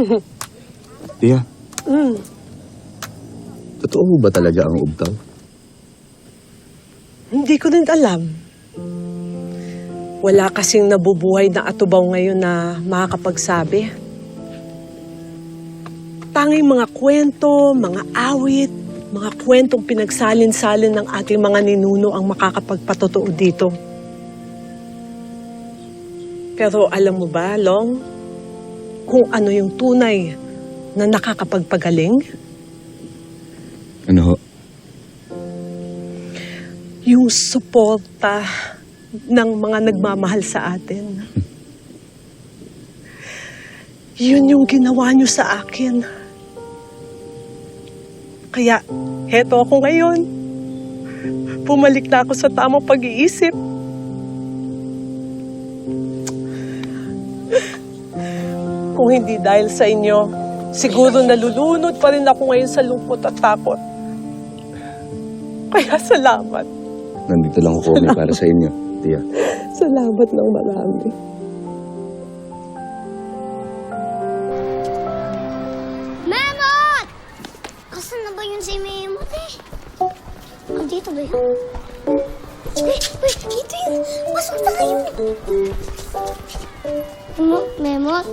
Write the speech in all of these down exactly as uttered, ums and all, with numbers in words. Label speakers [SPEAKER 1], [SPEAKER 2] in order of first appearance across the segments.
[SPEAKER 1] Tia,
[SPEAKER 2] Mm.
[SPEAKER 1] totoo ba talaga ang ubtaw?
[SPEAKER 2] Hindi ko din alam. Wala kasing nabubuhay na atubaw ngayon na makakapagsabi. Tanging mga kwento, mga awit, mga kwentong pinagsalin-salin ng ating mga ninuno ang makakapagpatotoo dito. Pero alam mo ba, Long, kung ano yung tunay na nakakapagpagaling?
[SPEAKER 1] Ano ho?
[SPEAKER 2] Yung suporta ng mga nagmamahal sa atin. Yun yung ginawa niyo sa akin. Kaya, heto ako ngayon. Pumalik na ako sa tamang pag-iisip. Kung hindi dahil sa inyo, siguro nalulunod pa rin ako ngayon sa lungkot at takot. Kaya salamat.
[SPEAKER 1] Nandito lang ako kami para sa inyo, Tia.
[SPEAKER 2] Salamat ng marami.
[SPEAKER 3] Memot! Asan na ba yun si Memot eh? Oh, dito ba yun? Eh, wait, dito yun. Pasok na kayo. Memot, Memot.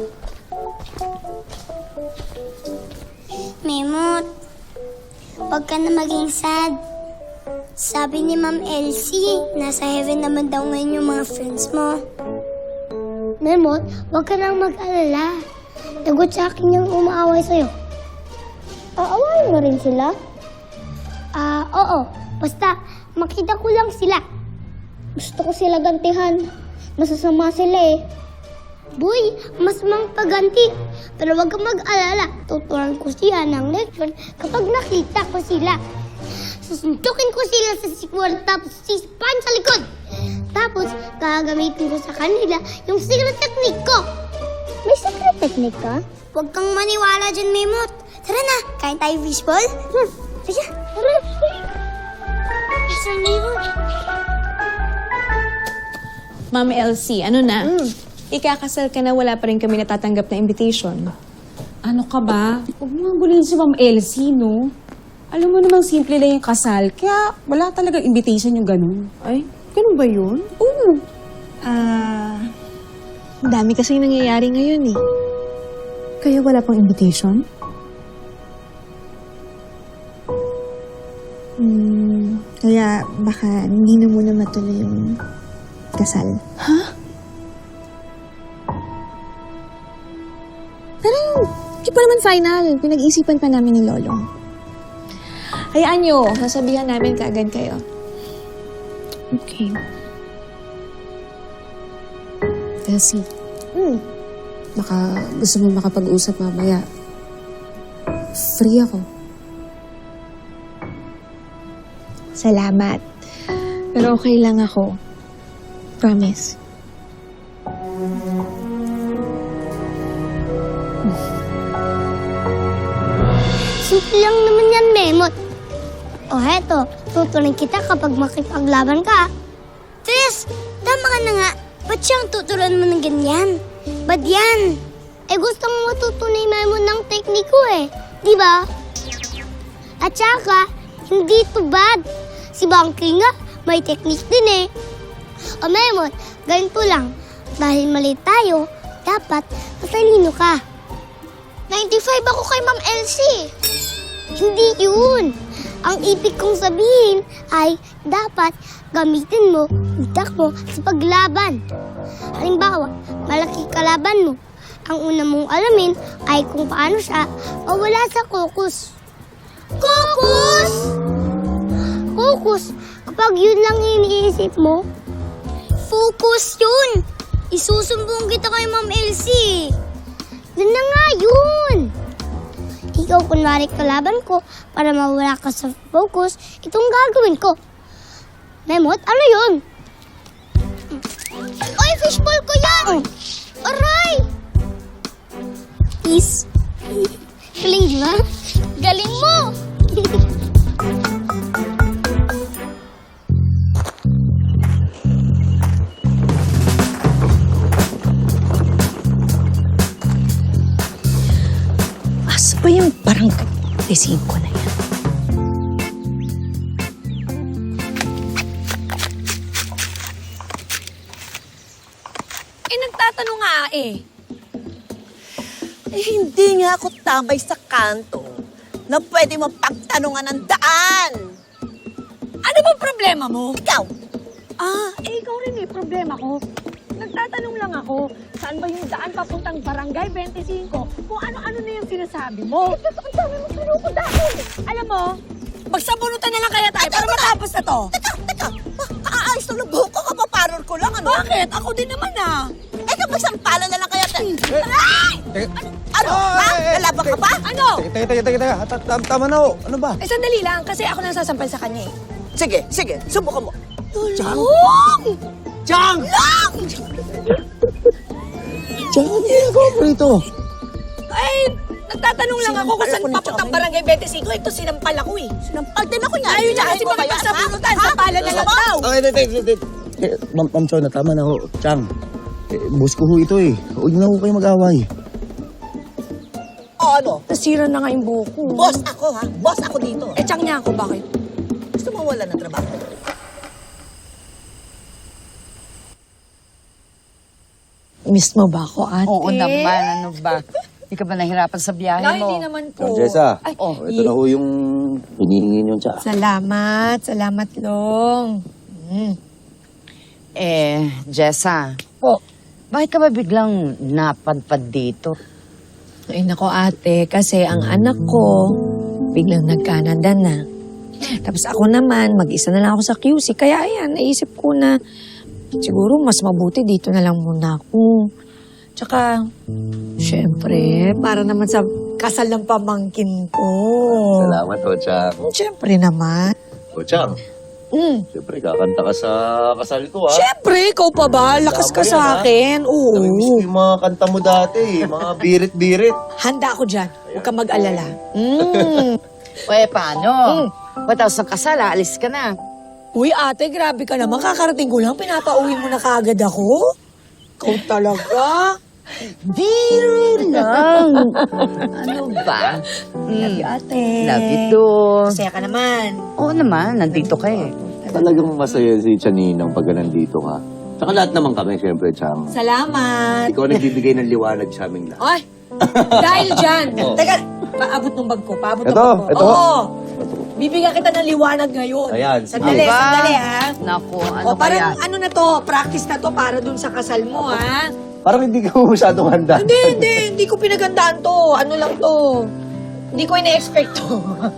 [SPEAKER 3] Memot, huwag ka na maging sad. Sabi ni Ma'am Elsie, nasa heaven naman daw ngayon yung mga friends mo. Memot, huwag ka nang mag-alala. Nagot sa akin yung umaaway sa'yo. Aawayin mo rin sila? Ah, oo. Basta, makita ko lang sila. Gusto ko sila gantihan. Masasama sila eh. Boy, mas mang paganti. Pero huwag kang mag-alala. Tuturuan ko siya ng leksyon kapag nakita ko sila. Susuntukin ko sila sa sikwal tapos sispan sa likod. Tapos, gagamitin ko sa kanila yung secret technique ko. May secret technique ka? Huwag kang maniwala dyan, Memot. Tara na, kain tayo fishball? Hmm, sige, tara. Mister Memot.
[SPEAKER 4] Ma'am Elsie, ano na?
[SPEAKER 3] Mm.
[SPEAKER 4] Ikakasal ka na, wala pa rin kami natatanggap na invitation.
[SPEAKER 5] Ano ka ba? Huwag mo gulin si Ma'am Elsie, no? Alam mo namang simple lang yung kasal, kaya wala talaga invitation yung ganun.
[SPEAKER 4] Ay, ganun ba yun?
[SPEAKER 5] Oo.
[SPEAKER 4] Ah, ang dami kasing nangyayari ngayon eh. Kaya wala pang invitation?
[SPEAKER 6] Hmm, kaya baka hindi na muna matuloy yung kasal.
[SPEAKER 4] Ha?
[SPEAKER 6] Parang hindi pa naman final. Pinag-iisipan pa namin ni Lolong.
[SPEAKER 4] Hayaan nyo, nasabihan namin kaagad kayo.
[SPEAKER 6] Okay.
[SPEAKER 5] Elsie,
[SPEAKER 6] Hmm.
[SPEAKER 5] baka gusto mo makapag-usap mamaya. Free ako.
[SPEAKER 6] Salamat. Pero okay lang ako. Promise.
[SPEAKER 3] Simple lang naman yan, Memot. O heto, tutunan kita kapag makipaglaban ka. Tris, tama ka na nga. Ba't siyang tuturuan mo ng ganyan? Ba't yan? Eh gusto mo matutunay Memot ng tekniko eh. Di ba? At saka, hindi to bad. Si Bangkay nga, may teknik din eh. O Memot, ganito lang. Dahil mali tayo, dapat matalino ka. ninety-five ako kay Ma'am Elsie. Hindi yun. Ang ibig kong sabihin ay dapat gamitin mo utak mo sa paglaban. Halimbawa, malaki kalaban mo. Ang una mong alamin ay kung paano siya mawala sa kukus. Kukus? Kukus? Kapag yun lang iniisip mo, focus yun. Isusumbong kita kay Ma'am Elsie. Yun na nga yun. Ikaw kunwari kalaban ko para mawala ka sa focus, itong gagawin ko. Memot, ano yun? Oy, fishball ko yan! Aray! Is. Galing, di ba? Galing mo!
[SPEAKER 7] ba yung parang desig ko na yan? Eh, nagtatanong nga eh.
[SPEAKER 8] Eh, hindi nga ako tambay sa kanto na pwede mapagtanungan ng daan.
[SPEAKER 7] Ano bang problema mo?
[SPEAKER 8] Ikaw,
[SPEAKER 7] Ah, eh ikaw rin eh, problema ko. Nagtatanong lang ako, saan ba yung daan papuntang Barangay twenty-five? Kung ano-ano na yung sinasabi mo. Eh, ang dami mo sinuko dati. Alam mo, magsabunutan na lang kaya tayo para matapos na to.
[SPEAKER 8] teka, teka, ma- kaayos lang ng buhok ko, kapaparor ko lang, ano?
[SPEAKER 7] Bakit? Ako din naman ah.
[SPEAKER 8] Eh, kapag sampalan na lang kaya tayo. Ay! Ano? Ha? Lalaban ka ba?
[SPEAKER 7] Ano?
[SPEAKER 1] Teka, teka, teka, teka. Ta- tam- Tama na ho. Ano ba?
[SPEAKER 7] Eh, sandali lang, kasi ako nang sasampal sa kanya eh.
[SPEAKER 8] Sige, sige, subukan mo.
[SPEAKER 7] Tulong!
[SPEAKER 8] Chang! Lang!
[SPEAKER 1] Diyan, ano ginagawa mo rito?
[SPEAKER 7] Ay, nagtatanong lang ako kung
[SPEAKER 8] Sinampal
[SPEAKER 7] saan
[SPEAKER 8] ako ni
[SPEAKER 7] papuntang
[SPEAKER 8] Chong.
[SPEAKER 7] Barangay twenty-five. Ito, sinampal ako eh.
[SPEAKER 8] Sinampal din ako niya.
[SPEAKER 7] Ayaw niya kasi
[SPEAKER 8] Sinabi mo ba yan,
[SPEAKER 7] makipagsabunutan.
[SPEAKER 8] ha?
[SPEAKER 7] Sampalan na lang
[SPEAKER 8] Gusto mo?
[SPEAKER 7] daw.
[SPEAKER 1] Okay, teka, teka, teka. Eh, Ma'am, Ma'am Chona, tama na ho. Chang, eh, boss ko ho ito eh. Huwag na ho kayo mag-away.
[SPEAKER 8] O ano?
[SPEAKER 7] Nasira na nga yung buhok ko.
[SPEAKER 8] Boss ako, ha? Boss ako dito.
[SPEAKER 7] Eh, tiyang niya ako, bakit?
[SPEAKER 8] Gusto mo wala ng trabaho?
[SPEAKER 7] Miss mo ba ako, ate?
[SPEAKER 9] Oo naman, ano ba? Hindi ka ba nahirapan sa biyahe
[SPEAKER 7] No,
[SPEAKER 9] mo?
[SPEAKER 7] hindi naman po.
[SPEAKER 1] Ma'am Jessa,
[SPEAKER 7] Ay,
[SPEAKER 1] oh, ito na ho yung hinihingi niyong tsa.
[SPEAKER 7] Salamat, salamat, Long. Mm.
[SPEAKER 9] Eh, Jessa,
[SPEAKER 7] Po.
[SPEAKER 9] bakit ka ba biglang napadpad dito?
[SPEAKER 7] Ay, nako, ate, kasi ang anak ko, biglang nag-Canada na. Tapos ako naman, mag-isa na lang ako sa Q C. Kaya ayan, naisip ko na siguro mas mabuti dito na lang muna ako. Tsaka, syempre, para naman sa kasal ng pamangkin ko.
[SPEAKER 1] Salamat ho, Chang.
[SPEAKER 7] Syempre naman.
[SPEAKER 1] O, Chang,
[SPEAKER 7] Mm.
[SPEAKER 1] siyempre kakanta ka sa kasal ko ha.
[SPEAKER 7] Syempre, ikaw pa ba? Lakas ka
[SPEAKER 1] Tama yan,
[SPEAKER 7] sa
[SPEAKER 1] ha?
[SPEAKER 7] akin. Oo.
[SPEAKER 1] Namimiss ko yung mga kanta mo dati eh. Mga birit-birit.
[SPEAKER 7] Handa ako dyan. Huwag ka mag-alala. Mm.
[SPEAKER 9] O eh, paano? Patapos ng kasal, aalis ka na.
[SPEAKER 7] Uy, ate, grabe ka naman. Kakarating ko lang. Pinapauwi mo na kaagad ako. Ikaw talaga.
[SPEAKER 9] Biro lang. Ano ba?
[SPEAKER 7] Love you, ate.
[SPEAKER 9] Love you too.
[SPEAKER 7] Masaya ka naman.
[SPEAKER 9] Oo naman, nandito ka eh.
[SPEAKER 1] Talagang masaya si Chaninang pag nandito ka. Tsaka lahat naman kami, siyempre, Chang.
[SPEAKER 7] Salamat.
[SPEAKER 1] Ikaw nagbibigay ng liwanag sa aming lahat.
[SPEAKER 7] Ay, dahil dyan.
[SPEAKER 1] Oh.
[SPEAKER 7] Teka, paabot ng bag ko. Paabot ng
[SPEAKER 1] Ito,
[SPEAKER 7] bag ko.
[SPEAKER 1] ito.
[SPEAKER 7] Oo. Bibigyan kita ng liwanag ngayon.
[SPEAKER 1] Ayan, sige.
[SPEAKER 7] Sandali,
[SPEAKER 9] Aba.
[SPEAKER 7] sandali, ha?
[SPEAKER 9] Naku, ano
[SPEAKER 7] o, parang
[SPEAKER 9] kaya?
[SPEAKER 7] ano na to, practice na to para dun sa kasal mo, ha?
[SPEAKER 1] Parang hindi ka masyadong handa.
[SPEAKER 7] Hindi, hindi. Hindi ko pinagandaan to. Ano lang to. Hindi ko ina-expect to.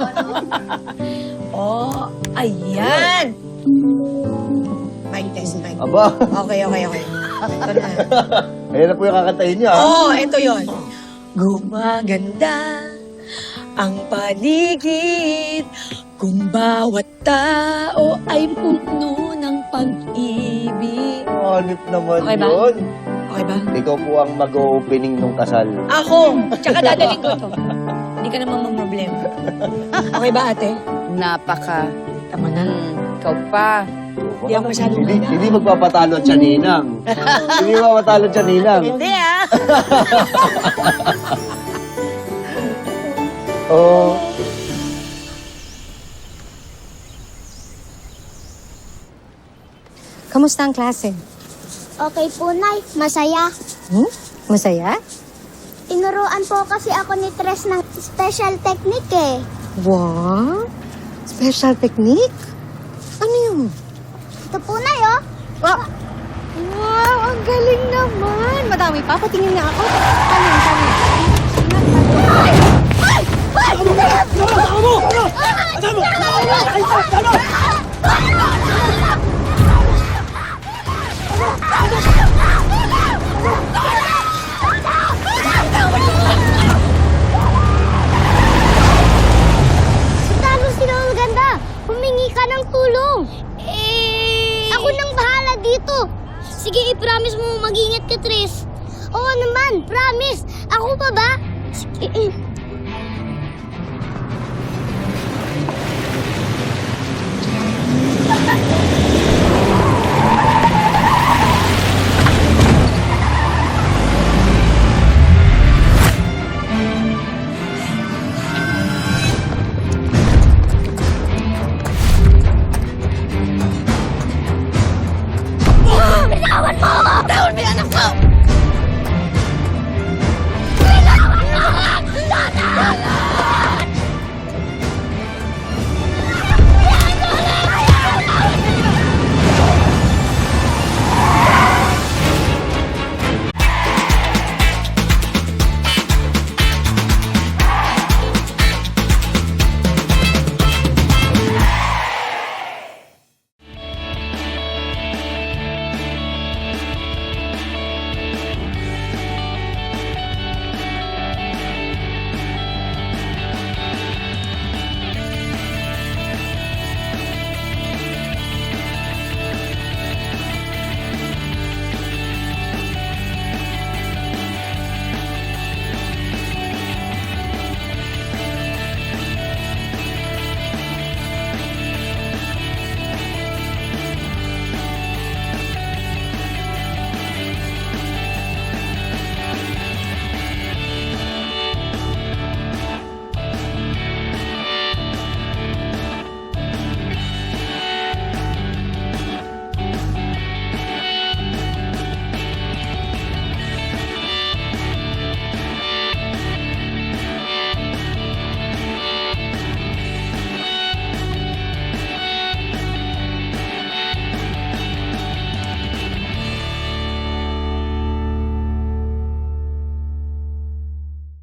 [SPEAKER 7] oh, ayan. Mic test, mic.
[SPEAKER 1] Aba,
[SPEAKER 7] Okay, okay, okay. Ito na.
[SPEAKER 1] ayan na po yung kakantahin niya. ha?
[SPEAKER 7] Oh, ito yon. Gumaganda ang paligid kung bawat tao ay puno ng pag-ibig.
[SPEAKER 1] Hanip naman
[SPEAKER 7] Okay ba?
[SPEAKER 1] yun.
[SPEAKER 7] Okay ba?
[SPEAKER 1] Ikaw po ang mag-opening nung kasal.
[SPEAKER 7] Ako! Tsaka dadaling ko to. Hindi ka naman mamroblema. Okay ba, ate?
[SPEAKER 9] Napaka.
[SPEAKER 7] Tama na.
[SPEAKER 9] Hmm, ikaw pa.
[SPEAKER 7] Hindi ako masyadong
[SPEAKER 1] Hindi,
[SPEAKER 7] handa.
[SPEAKER 1] hindi magpapatalo at Chaninang. Hindi magpapatalo at Chaninang.
[SPEAKER 9] Hindi ah.
[SPEAKER 1] Oh,
[SPEAKER 10] Kamusta ang klase?
[SPEAKER 3] Okay po, Nay. Masaya.
[SPEAKER 10] Hmm? Masaya?
[SPEAKER 3] Tinuruan po kasi ako ni Tres ng special technique eh.
[SPEAKER 10] Wow! Special technique? Ano yun?
[SPEAKER 3] Ito po, Nay, oh.
[SPEAKER 10] Ah! Wow! Ang galing naman! Madami pa. Patingin nga ako. Ano yun? Ano yun?
[SPEAKER 3] Talo sila ang ganda. Humingi ka ng tulong. Eh... Ako nang bahala dito. Sige, i-promise mo mag-ingat ka, Tris. Oo naman, promise. Ako pa ba? Sige, eh.